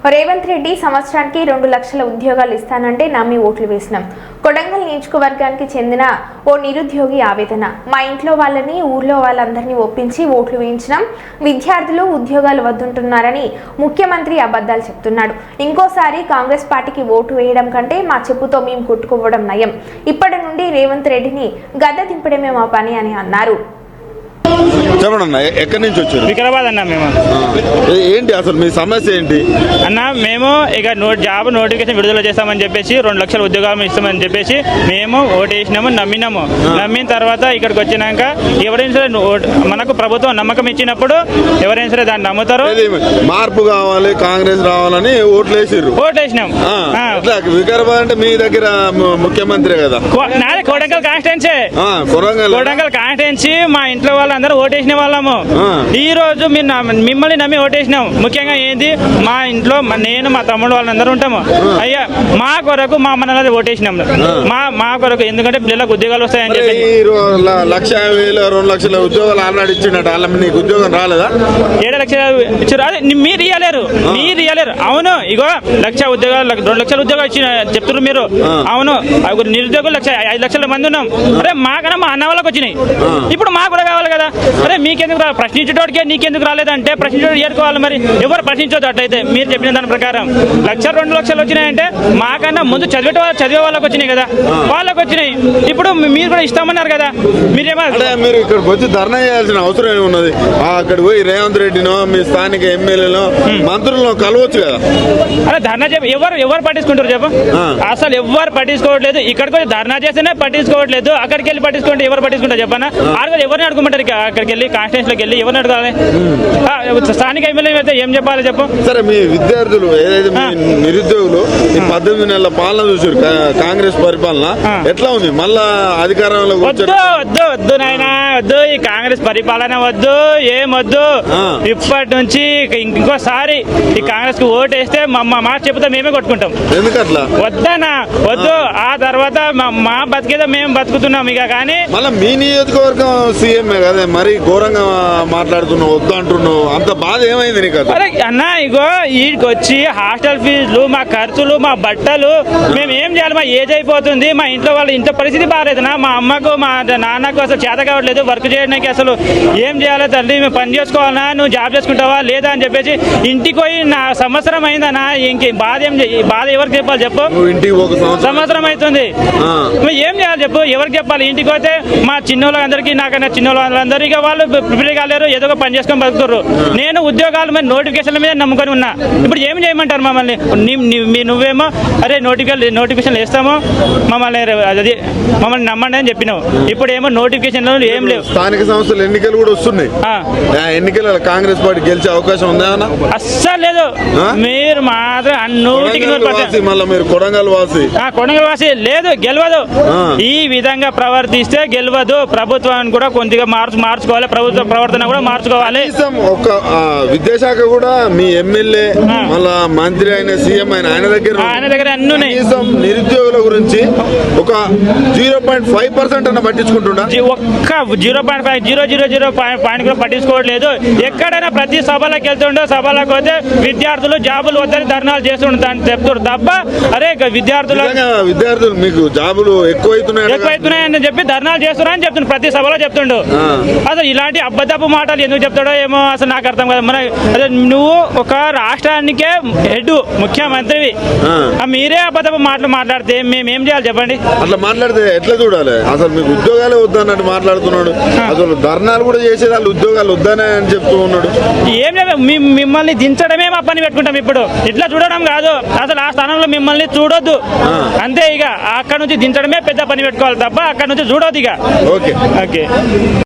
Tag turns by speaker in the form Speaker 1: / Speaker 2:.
Speaker 1: రేవంత్ రెడ్డి సంవత్సరానికి 2 లక్షల ఉద్యోగాలు ఇస్తానంటే నమ్మి ఓట్లు వేసినాం. కొడంగల్ నియోజకవర్గానికి చెందిన ఓ నిరుద్యోగి ఆవేదన. మా ఇంట్లో వాళ్ళని ఊర్లో వాళ్ళందరినీ ఒప్పించి ఓట్లు వేయించినాం. విద్యార్థులు ఉద్యోగాలు వద్దుంటున్నారని ముఖ్యమంత్రి అబద్ధాలు చెప్తున్నాడు. ఇంకోసారి కాంగ్రెస్ పార్టీకి ఓటు వేయడం కంటే మా చెప్పుతో మేము కొట్టుకోవడం నయం. ఇప్పటి నుండి రేవంత్ రెడ్డిని గద్దె దింపడమే మా పని అని అన్నారు.
Speaker 2: చెప్పండి, ఎక్కడి నుంచి వచ్చారు?
Speaker 3: వికారాబాద్ అన్న. మేము
Speaker 2: ఏంటి అసలు మీ సమస్య ఏంటి
Speaker 3: అన్న? మేము ఇక జాబ్ నోటిఫికేషన్ విడుదల చేస్తామని చెప్పేసి 2 లక్షల ఉద్యోగాలు ఇస్తామని చెప్పేసి మేము ఓటేసినాము, నమ్మినాము. నమ్మిన తర్వాత ఇక్కడికి వచ్చినాక ఎవరైనా సరే మనకు ప్రభుత్వం నమ్మకం ఇచ్చినప్పుడు ఎవరైనా సరే దాన్ని నమ్ముతారు.
Speaker 2: మార్పు కావాలి, కాంగ్రెస్ రావాలని ఓట్లేసినాం. వికారాబాద్ అంటే మీ దగ్గర ముఖ్యమంత్రి కదా.
Speaker 3: నాది కొడంగల్ కాన్స్టిట్యున్సీ. కొడంగల్ కాన్స్టిట్యున్సీ. మా ఇంట్లో వాళ్ళందరూ ఓటేసిన వాళ్ళము. ఈ రోజు మిమ్మల్ని నమ్మి ఓటేసినాం. ముఖ్యంగా ఏంది, మా ఇంట్లో నేను మా తమ్ముడు వాళ్ళందరూ ఉంటాము. అయ్యా మా కొరకు మా మనల్ని ఓటేసినాం. మా కొరకు, ఎందుకంటే పిల్లలకు ఉద్యోగాలు వస్తాయని చెప్పి
Speaker 2: 1,50,000 2 లక్షల ఉద్యోగాలు ఆల్రెడీ ఇచ్చినట్టు. వాళ్ళ నీకు ఉద్యోగం రాలేదా?
Speaker 3: 7 లక్షలు ఇచ్చారు. అదే మీరు ఇయ్యలేరు. అవును, ఇగో 1 లక్ష ఉద్యోగాలు 2 లక్షల ఉద్యోగాలు ఇచ్చిన చెప్తున్నారు మీరు. అవును, నిరుద్యోగులు 5 లక్షల మంది ఉన్నాం. అరే మాకన్నా మా అన్న వాళ్ళకి వచ్చినాయి. ఇప్పుడు మాకు కూడా కావాలి కదా. అరే మీకెందుకు ప్రశ్నించేటోడికే నీకెందుకు రాలేదంటే ప్రశ్నించేటోడు ఏరుకోవాలి. మరి ఎవరు ప్రశ్నించొద్దు. అట్లయితే మీరు చెప్పిన దాని ప్రకారం 1 లక్ష 2 లక్షలు వచ్చినాయంటే మాకన్నా ముందు చదివే వాళ్ళకి వచ్చినాయి కదా, వాళ్ళకి వచ్చినాయి. ఇప్పుడు మీరు కూడా ఇస్తామన్నారు కదా. మీరు
Speaker 2: ఇక్కడికి వచ్చి ధర్నా చేయాల్సిన అవసరం ఏమున్నది? అక్కడ పోయి రేవంత్ రెడ్డినో మీ స్థానిక ఎమ్మెల్యేలో మంత్రులను కలవచ్చు కదా.
Speaker 3: అరే ధర్నా ఎవరు పట్టించుకుంటారు చెప్పు? అసలు ఎవరు పట్టించుకోవట్లేదు. ఇక్కడికి వచ్చి ధర్నా చేస్తేనే పట్టించుకోవట్లేదు. అక్కడికి వెళ్ళి పట్టించుకుంటే ఎవరు పట్టించుకుంటారు చెప్పనా? ఎవరిని అడుగుమంటారు? అక్కడికి వెళ్ళి కాన్స్టిట్యూన్సీలోకి వెళ్ళి ఎవరిని అడగాలి? స్థానిక ఎమ్మెల్యే అయితే ఏం చెప్పాలి చెప్పు?
Speaker 2: సరే, మీ విద్యార్థులు ఏదైతే నిరుద్యోగులు 18 నెలల పాలన చూసారు, కాంగ్రెస్ పరిపాలన ఎట్లా ఉంది? మళ్ళా అధికారంలో
Speaker 3: వద్దు నాయనా, వద్దు. ఈ కాంగ్రెస్ పరిపాలన వద్దు, ఏం వద్దు. ఇప్పటి నుంచి ఇంకోసారి ఈ కాంగ్రెస్ కు ఓటు వేస్తే మా చెబుతా మేమే కొట్టుకుంటాం.
Speaker 2: ఎందుకట్లా?
Speaker 3: వద్దనా, వద్దు. ఆ తర్వాత మా బతికేదో మేము బతుకుతున్నాం ఇక. కానీ
Speaker 2: మళ్ళీ మీ నియోజకవర్గం సీఎంఏ కదా, మరి ఘోరంగా మాట్లాడుతున్నావు, వద్దు అంటున్నావు. అంత బాధ ఏమైంది నీకు?
Speaker 3: అరే అన్న, ఇగో వీడికి వచ్చి హాస్టల్ ఫీజులు, మా ఖర్చులు, మా బట్టలు, మేము ఏం చేయాలి? మా ఏజ్ అయిపోతుంది. మా ఇంట్లో వాళ్ళ ఇంట్లో పరిస్థితి బాగాలేదునా. మా అమ్మకు మా నాన్నకు అసలు చేత కావట్లేదు వర్క్ చేయడానికి. అసలు ఏం చేయాలి తల్లి? మేము పని చేసుకోవాలన్నా, నువ్వు జాబ్ చేసుకుంటావా లేదా అని చెప్పేసి ఇంటికి పోయి నా సంవత్సరం అయిందనా. ఇంక బాధ ఎవరికి చెప్పాలి చెప్పు? సంవత్సరం అవుతుంది. ఏం చేయాలి చెప్పు? ఎవరికి చెప్పాలి? ఇంటికి పోతే మా చిన్నోళ్ళందరికీ, నాకన్నా చిన్నోళ్ళందరూ ఇక వాళ్ళు ప్రిపేర్ కాలేరు, ఏదో ఒక పని చేసుకొని బతుకుతారు. నేను ఉద్యోగాల మీద నోటిఫికేషన్ల మీద నమ్ముకొని ఉన్నా. ఇప్పుడు ఏం చేయమంటారు మమ్మల్ని? నువ్వేమో అరే నోటిఫికేషన్లు వేస్తాము, మమ్మల్ని నమ్మండి అని చెప్పినావు. ఇప్పుడు ఏమో నోటిఫికేషన్లు ఏం లేవు.
Speaker 2: స్థానిక సంస్థలు ఎన్నికలు కూడా వస్తున్నాయి. ఎన్నికల కాంగ్రెస్ పార్టీ గెలిచే అవకాశం ఉందా?
Speaker 3: అస్సలు లేదు. మీరు మాత్రం
Speaker 2: కొడంగల్
Speaker 3: వాసి లేదు, గెలవదు. ఈ విధంగా ప్రవర్తిస్తే గెలవదు. ప్రభుత్వాన్ని కూడా కొద్దిగా మార్చుకోవాలి. ప్రభుత్వ ప్రవర్తన కూడా మార్చుకోవాలి.
Speaker 2: ఒక విద్యాశాఖ కూడా మీ ఎమ్మెల్యే మళ్ళా మంత్రి అయిన సీఎం ఆయన దగ్గర అన్ని నిరుద్యోగుల గురించి ఒక 0.5% అన్న పట్టించుకుంటున్నా.
Speaker 3: ఒక్క 0.5 పాయింట్ కూడా పట్టించుకోవట్లేదు. ఎక్కడైనా ప్రతి సభలకు వెళ్తుండో, సభలకు పోతే విద్యార్థులు జాబులు వద్దని ధర్నాలు చేస్తుంటారు చెప్తారు తప్ప, అరే
Speaker 2: విద్యార్థులు మీకు జాబులు
Speaker 3: ఎక్కువైతున్నాయని చెప్పి ధర్నాలు చేస్తున్నారని చెప్తుండ్రు. ప్రతి సభలో చెప్తుండు. అసలు ఇలాంటి అబద్ధపు మాటలు ఎందుకు చెప్తాడో ఏమో అసలు నాకు అర్థం కాదు. అదే నువ్వు ఒక రాష్ట్రానికే హెడ్ ముఖ్యమంత్రివి, మీరే అబద్ధపు మాటలు మాట్లాడితే మేమేం చేయాలి చెప్పండి?
Speaker 2: అట్లా మాట్లాడితే ఎట్లా చూడాలి? అసలు మీకు ఉద్యోగాలే వద్దన్నట్టు మాట్లాడుతున్నాడు. అసలు ధర్నాలు కూడా చేసేది వాళ్ళు ఉద్యోగాలు వద్దనే అని చెప్తూ ఉన్నాడు.
Speaker 3: ఏం లేదు, మిమ్మల్ని దించడమే మా పని పెట్టుకుంటాం. ఇప్పుడు ఇట్లా చూడడం కాదు, అసలు ఆ స్థానంలో మిమ్మల్ని చూడొద్దు అంతే. ఇక అక్కడ నుంచి దించడమే పెద్ద పని పెట్టుకోవాలి తప్ప అక్కడ నుంచి చూడొద్దు ఇక.
Speaker 2: ఓకే.